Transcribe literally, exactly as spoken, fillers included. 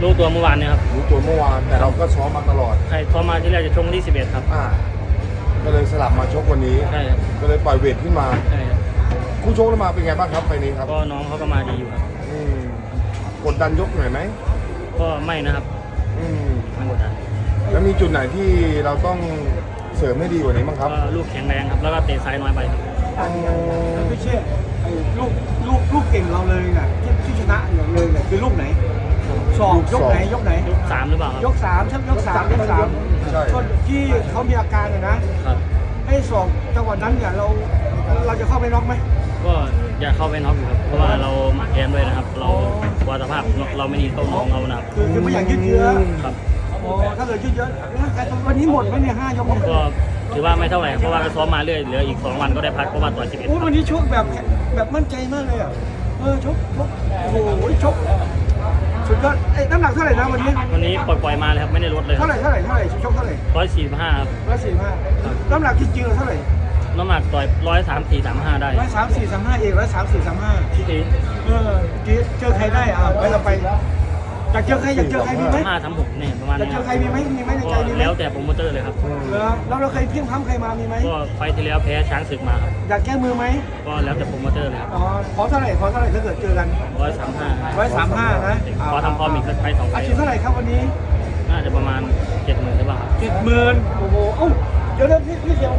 รู้ตัวเมื่อวานเนี่ยครับรู้ตัวเมื่อวานแต่เราก็ซ้อมมาตลอดใช่พอมาที่แรกจะชกวันที่สิบเอ็ดครับอ่าก็เลยสลับมาชกวันนี้ใช่ครับก็เลยปล่อยเวทขึ้นมาใช่ครับคู่ชกแล้วมาเป็นไงบ้างครับไฟนี้ครับก็น้องเขาก็มาดีอยู่ครับอืมกดดันยกหน่อยไหมก็ไม่นะครับอืมไม่กดดันแล้วมีจุดไหนที่เราต้องเสริมให้ดีกว่านี้บ้างครับก็ลูกแข็งแรงครับแล้วก็เตะซ้ายน้อยไปครับไม่เชื่อไอ้ลูกลูกลูกเก่งเราเลยน่ะที่ที่ชนะอย่างเลยเนี่ยคือลูกไหนสองยกไหนยกไหนยกสามหรือเปล่าครับยกสามใช่ยกสามยกสามก็ที่เขามีอาการเลยนะครับให้สองจังหวะนั้นเนี่ยเราเราจะเข้าไปน็อกไหมก็อยากเข้าไปน็อกอยู่ครับเพราะว่าเรามาแกนด้วยนะครับ เราวาสภาพเราไม่ดีโต้น้องเรานะครับคือคือไม่อยากยืดเยื้อครับโอ้ถ้าเกิดยืดเยื้อวันนี้หมดไหมเนี่ยห้ายกก็ถือว่าไม่เท่าไหร่เพราะว่าก็ซ้อมมาเรื่อยเหลืออีกสองวันก็ได้พักเพราะว่าต่อยสิบเอ็ดวันนี้ชกแบบแบบมั่นใจมากเลยอ่ะเออชกชกโอ้โหชกสุดยอดไอ้น้ำหนักเท่าไหร่นะวันนี้วันนี้ปล่อยๆมาเลยครับไม่ได้ลดเลยเท่าไหร่เท่าไหร่เท่าไหร่ชกเท่าไหร่ร้อยสี่สิบห้าครับร้อยสี่ห้าน้ำหนักจริงๆเท่าไหร่น้ำหนักต่อยร้อยสามสี่สามห้าได้ร้อยสามสี่สามห้าเองร้อยสามสี่สามห้าที่ตีเออเจอใครได้อ่ะไปเราไปอยากเจอใครอยากเจอใครมีไหมห้าทำหกเนี่ยประมาณนี้อยากเจอใครมีไหมมีไหมในใจมีไหมแล้วแต่โปรโมเตอร์เลยครับแล้วเราเคยเพี้ยงพ้ำใครมามีไหมก็ไฟที่แล้วแพ้ช้างศึกมาครับอยากแก้มือไหมก็แล้วแต่โปรโมเตอร์เลยครับอ๋อขอเท่าไหร่ขอเท่าไหร่ถ้าเกิดเจอกันร้อยสามห้าร้อยสามห้านะขอทำพร้อมอีกสักไฟสองไฟอาชีพเท่าไหร่ครับวันนี้น่าจะประมาณเจ็ดหมื่นหรือเปล่าครับเจ็ดหมื่นโอ้โหเอ้าเดี๋ยวเดี๋ยวพี่พี่เสียว